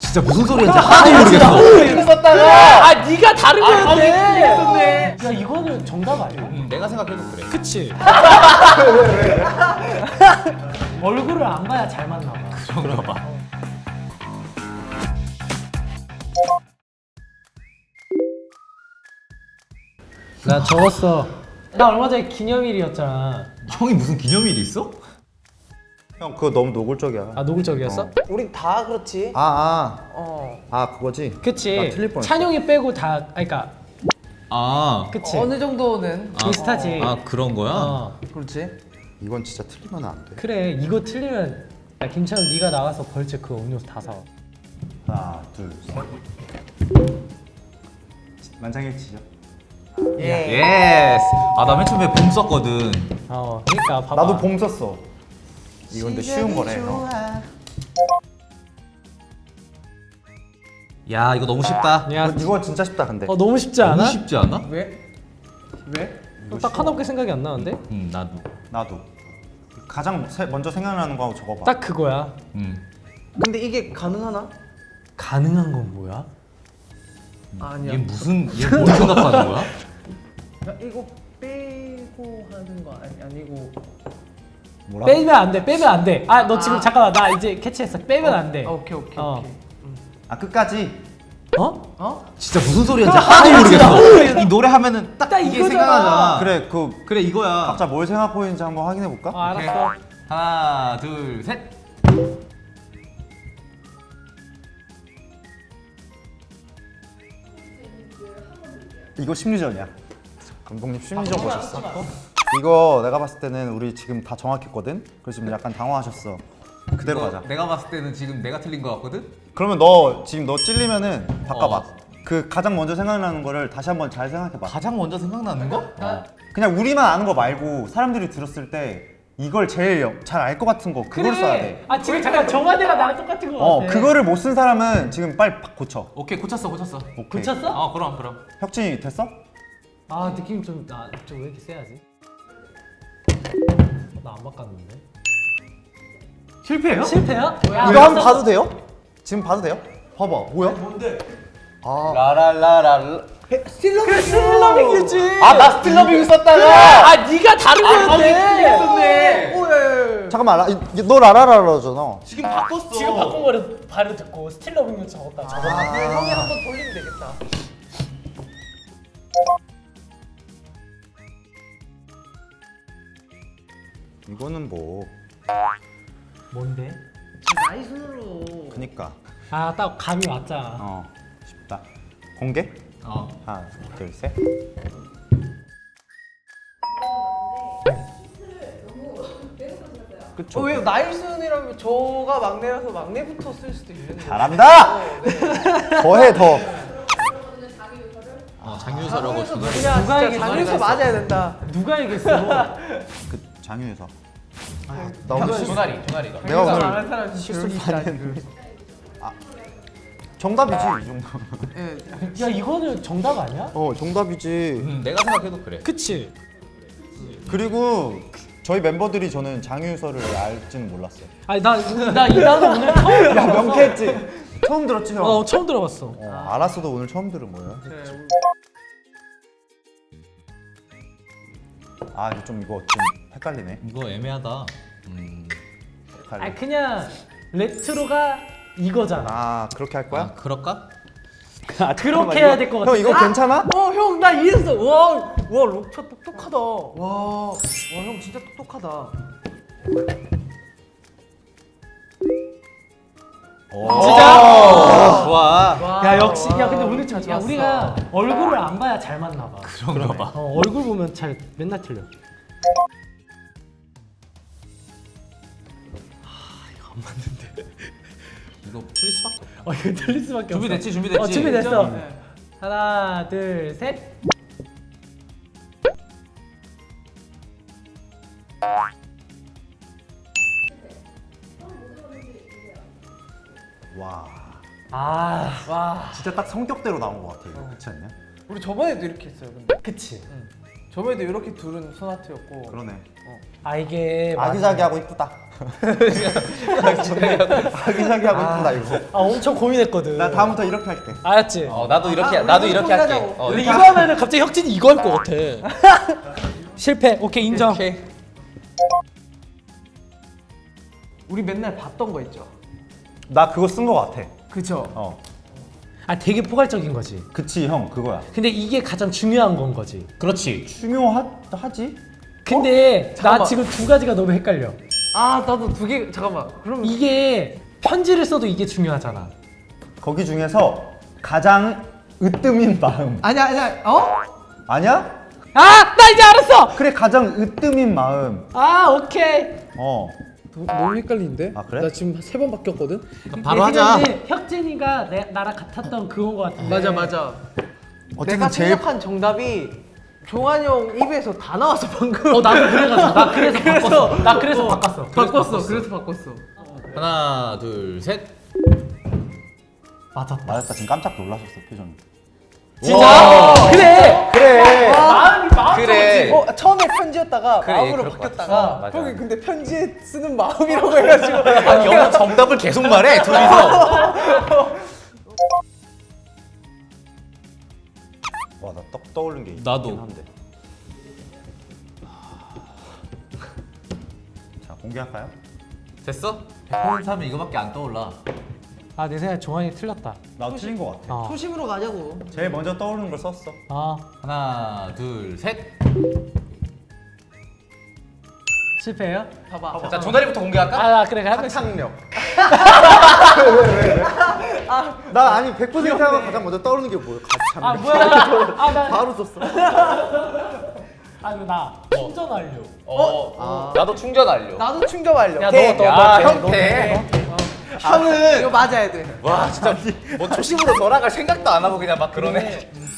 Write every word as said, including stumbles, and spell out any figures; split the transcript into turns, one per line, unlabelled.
진짜 무슨 소리인지 하나도 모르겠어.
이렇게 썼다가
아 네가 다른 거였네.
했었네.
야 이거는 정답 아니야?
응, 내가 생각해도 그래.
그치. 얼굴을 안 봐야 잘 맞나 봐.
그런가 봐.
나 적었어. 나 얼마 전에 기념일이었잖아.
형이 무슨 기념일이 있어?
형 그거 너무 노골적이야.
아 노골적이었어?
우린 다 그렇지.
아, 아,
어.
아 그거지?
그치.
나 틀릴 뻔했어.
찬용이 빼고 다, 아 그니까
아,
그치.
어느 정도는
아,
비슷하지.
아 그런 거야?
어.
그렇지.
이건 진짜 틀리면 안 돼.
그래 이거 틀리면 야 김찬우 네가 나가서 벌칙 그 음료수 다 사와.
하나, 둘, 셋. 만장일치죠.
예.
예스. 아, 나 맨 처음에 봄 썼거든.
어 그러니까 봐봐.
나도 봄 썼어. 이건 근데 쉬운 거네. 형.
야, 이거 너무 쉽다.
야,
이거 진짜 쉽다 근데.
어 너무 쉽지 않아?
너무 쉽지 않아?
왜? 왜?
딱 하나밖에 생각이 안 나는데?
응, 나도.
나도. 가장 세, 먼저 생각나는 거 한번 적어봐.
딱 그거야.
응.
근데 이게 가능하나?
가능한 건 뭐야?
아니야.
얘 무슨 얘 뭘 생각하는 거야?
야, 이거 빼고 하는 거 아니 아니고.
뭐라?
빼면 안 돼. 빼면 안 돼. 아 너 지금 잠깐만 나 이제 캐치했어. 빼면 안 돼.
아, 오케이 오케이
어.
오케이.
아 끝까지.
어?
어?
진짜 무슨 소리인지 하나도 모르겠어. 이 노래 하면은 딱
딱
이게
이거잖아.
생각나잖아.
그래 그
그래 이거야.
각자 뭘 생각하고 있는지 한번 확인해 볼까?
어 알았어.
하나, 둘, 셋.
이거 심리전이야. 감독님 심리전 보셨어? 이거 내가 봤을 때는 우리 지금 다 정확했거든. 그래서 지금 약간 당황하셨어. 그대로
이거
가자.
내가 봤을 때는 지금 내가 틀린 거 같거든.
그러면 너 지금 너 찔리면은 바꿔봐.
어.
그 가장 먼저 생각나는 거를 다시 한번 잘 생각해봐.
가장 먼저 생각나는 거?
어. 그냥 우리만 아는 거 말고 사람들이 들었을 때 이걸 제일 잘 알 것 같은 거 그걸 써야 돼.
아 지금 잠깐 정화대가 나랑 똑같은 거
어
같아.
그거를 못 쓴 사람은 지금 빨리 바- 고쳐.
오케이, 고쳤어, 고쳤어.
오케이.
고쳤어?
어, 그럼, 그럼.
혁진이 됐어?
아 느낌 좀나좀왜 이렇게 세야지? 나 안 바꿨는데.
실패예요?
실패야? 야,
이거 한번 봐도 돼요? 지금 봐도 돼요? 봐봐. 뭐야?
뭔데?
아
라라라라.
스틸러빙.
스틸러빙이지.
아나 스틸러빙 썼다가.
아 네가 다른 거였네.
했었네. 오예.
잠깐만 라, 이- 너 라라라라잖아.
지금 바꿨어.
지금 바꾼 거를 바로 듣고 스틸러빙을 적었다. 적었다.
아, 그럼 형이 한번 돌리면 되겠다.
이거는 뭐
뭔데?
나이 순으로.
그니까
아 딱 감이 왔잖아.
어 쉽다. 공개?
어.
하나 둘 셋. 그쵸.
어, 왜 나이 순이라면 저가 막내라서 막내부터 쓸 수도 있는데.
잘한다.
어, 네.
더해 더.
어, 장유서라고
장유서
주는.
누구냐?
누가
진짜
얘기했어?
장유서 맞아야 된다.
누가 얘기했어?
그 장유에서. 아,
나
나 오늘 실-
조나리, 조나리가.
내가 오늘
말하는 사람 실수 많이 했는데.
정답이지 이 정도.
예.
야 이거는 정답 아니야?
어 정답이지.
음, 내가 생각해도 그래.
그치?
그리고 저희 멤버들이 저는 장유서를 알지는 몰랐어요.
아니 나나 이 단어 오늘 처음
야
들어봤어.
명쾌했지. 처음 들었지 형.
어 처음 들어봤어.
어, 알았어도 오늘 처음 들은 거예요. 아 이거 좀 이거 좀 헷갈리네.
이거 애매하다. 음.
헷갈려.
아 그냥 레트로가 이거잖아.
아 그렇게 할
아,
거야?
그럴까?
아,
그렇게 해야 될 것
형 이거
같은데?
괜찮아?
어, 형, 나 이해했어. 와, 와, 록차 똑똑하다. 와, 와, 형 진짜 똑똑하다.
진짜?
어, 좋아.
와,
야 역시
와,
야 근데 오늘 야
좋았어.
우리가 얼굴을 안 봐야 잘 맞나 봐.
그런가 봐.
어, 얼굴 보면 잘 맨날 틀려.
이거 틀릴 수밖에 없다.
어 이거 틀릴 수밖에 없어.
준비됐지, 준비됐지.
어 준비됐어.
네.
하나 둘 셋.
와
아
와,
진짜 딱 성격대로 나온 것 같아 이거 그렇지 않냐?
우리 저번에도 이렇게 했어요, 근데.
그치.
응. 저번에도 이렇게 둘은 소나트였고.
그러네.
아 이게
아기자기하고 이쁘다. 아기자기하고 이쁘다 이거.
아 엄청 고민했거든.
나 다음부터 이렇게 할게.
알았지?
어 나도 이렇게
아,
나도
우리
이렇게 할게.
하자고.
어,
근데
이렇게
이거 하면은 갑자기 혁진이 이거 할 것 같아. 실패. 오케이 인정.
오케이.
우리 맨날 봤던 거 있죠.
나 그거 쓴 거 같아.
그쵸.
어.
아 되게 포괄적인 거지.
그치 형 그거야.
근데 이게 가장 중요한 건 거지.
그렇지.
중요하지?
근데 나
잠깐만.
지금 두 가지가 너무 헷갈려.
아 나도 두 개 잠깐만. 그럼
이게 편지를 써도 이게 중요하잖아.
거기 중에서 가장 으뜸인 마음.
아니야 아니야 어?
아니야?
아! 나 이제 알았어!
그래 가장 으뜸인 마음.
아 오케이.
어.
너무 헷갈리는데?
아, 그래?
나 지금 세 번 바뀌었거든?
바로
내
하자.
생각에 혁진이가 내, 나랑 같았던 그건 거 같은데.
맞아 맞아.
어쨌든
내가
제일
생각한 정답이 종환이 형 입에서 다 나왔어 방금.
어 나도 그래가지고 나 그래서
그래서-
바꿨어. 나 그래서
어,
바꿨어.
바꿨어. 그래서 바꿨어.
하나 둘 셋.
맞았다.
맞았다. 지금 깜짝 놀라셨어 표정이.
진짜? 그래!
그래.
마음이 마음
그래.
어 처음에 편지였다가
그래,
마음으로
그럴 것
바뀌었다가
맞아.
형이 근데 편지에 쓰는 마음이라고 해가지고
아니 영어 정답을 계속 말해 둘이서.
와 나 떡 떠오른 게 있긴
나도.
한데. 자 공개할까요?
됐어?
백번 사면 이거밖에 안 떠올라.
아내 생각에 종환이 틀렸다.
나 틀린 거 같아.
어.
초심으로 가자고.
제일 먼저 떠오르는 걸 썼어.
아
하나, 둘, 셋.
실패해요?
봐봐.
자 종다리부터 공개할까?
아 그래 그래 한 명씩.
창력. 나 아니 백 퍼센트 하고 가장 먼저 떠오르는 게 뭐야? 가창력.
아 뭐야? 아나
바로 썼어.
아 이거 나 충전 완료.
어. 나도 충전 완료.
나도 충격 완료.
야,
돼.
너, 너,
야,
너,
형
너,
돼.
형은 이거 맞아야 돼.
와 진짜 뭐 초심으로 돌아갈 생각도 안 하고 그냥 막 그러네.